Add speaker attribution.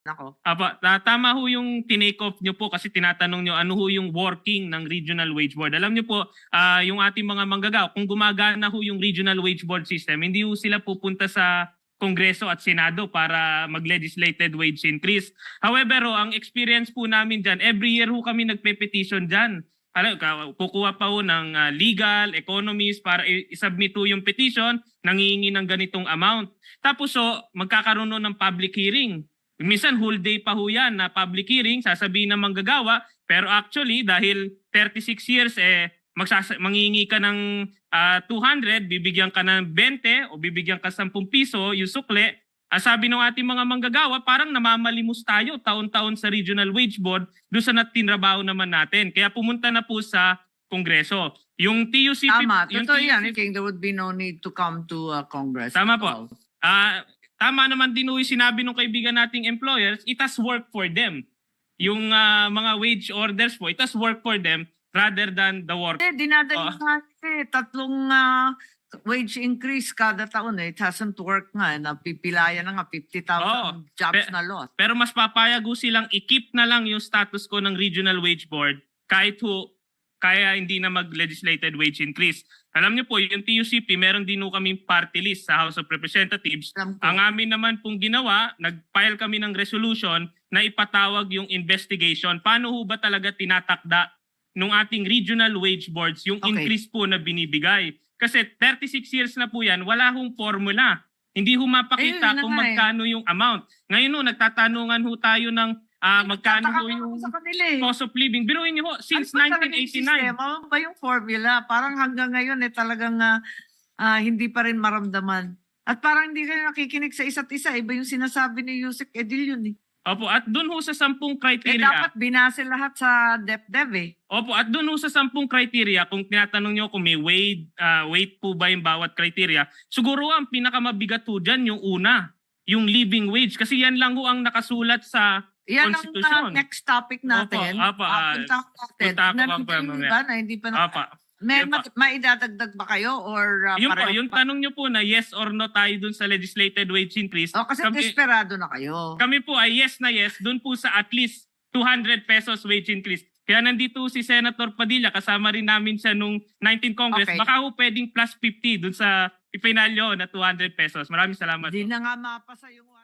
Speaker 1: Nako.
Speaker 2: Tama ho yung tinake off nyo po kasi tinatanong nyo ano ho yung working ng Regional Wage Board. Alam nyo po, yung ating mga manggagawa, kung gumagana ho yung Regional Wage Board system, hindi ho sila pupunta sa Kongreso at Senado para mag-legislated wage increase. However, ang experience po namin dyan, every year ho kami nagpe-petition dyan. Kukuha pa ho ng legal, economist para isubmit ho yung petition, nangihingi ng ganitong amount. Tapos magkakaroon ho ng public hearing. Minsan whole day pa ho yan na public hearing, sasabihin ng manggagawa, pero actually dahil 36 years mangingi ka ng 200, bibigyan ka ng 20 o bibigyan ka 10 piso yung sukle. Sabi ng ating mga manggagawa, parang namamalimos tayo taon-taon sa Regional Wage Board doon sa tinrabaho naman natin. Kaya pumunta na po sa Kongreso. Yung TUCP...
Speaker 1: Tama, totoo yan. I think there would be no need to come to Congress.
Speaker 2: Tama po. Tama naman din yung sinabi ng kaibigan nating employers, it has worked for them. Yung mga wage orders po, it has worked for them rather than the work.
Speaker 1: Dinadali tatlong wage increase kada taon. It hasn't worked nga. Napipilayan na nga 50,000 jobs na lost.
Speaker 2: Pero mas papayag silang i-keep na lang yung status quo ng Regional Wage Board kahit kaya hindi na mag-legislated wage increase. Alam niyo po, yung TUCP, meron din kaming party list sa House of Representatives. Ang amin naman pong ginawa, nag-file kami ng resolution na ipatawag yung investigation. Paano ho ba talaga tinatakda ng ating regional wage boards yung increase po na binibigay? Kasi 36 years na po yan, wala hong formula. Hindi ho mapakita kung magkano yung amount. Ngayon nagtatanungan ho tayo ng magkano ho yung cost of living. Biruin niyo ho, since 1989.
Speaker 1: Ano ba yung formula? Parang hanggang ngayon talagang hindi pa rin maramdaman. At parang hindi kayo nakikinig sa isa't isa. Iba yung sinasabi ni Yusek Edil yun .
Speaker 2: Opo, at dun ho sa 10 criteria.
Speaker 1: Dapat binase lahat sa DepDev .
Speaker 2: Opo, at dun ho sa 10 criteria, kung tinatanong nyo kung may weight po ba yung bawat criteria, siguro ang pinakamabigat ho dyan yung una, yung living wage. Kasi yan lang ho ang nakasulat sa
Speaker 1: yan
Speaker 2: Constitution.
Speaker 1: Ang next topic natin.
Speaker 2: Opo,
Speaker 1: hindi pa may idadagdag ba kayo or
Speaker 2: yung tanong nyo po na yes or no tayo dun sa legislated wage increase.
Speaker 1: Kasi desperado na kayo.
Speaker 2: Kami po ay yes na yes dun po sa at least 200 pesos wage increase. Kaya nandito si Senator Padilla, kasama rin namin siya nung 19 Congress. Baka ho pwedeng plus 50 dun sa ipinalyo na 200 pesos. Maraming salamat.
Speaker 1: Hindi na nga mapasa yung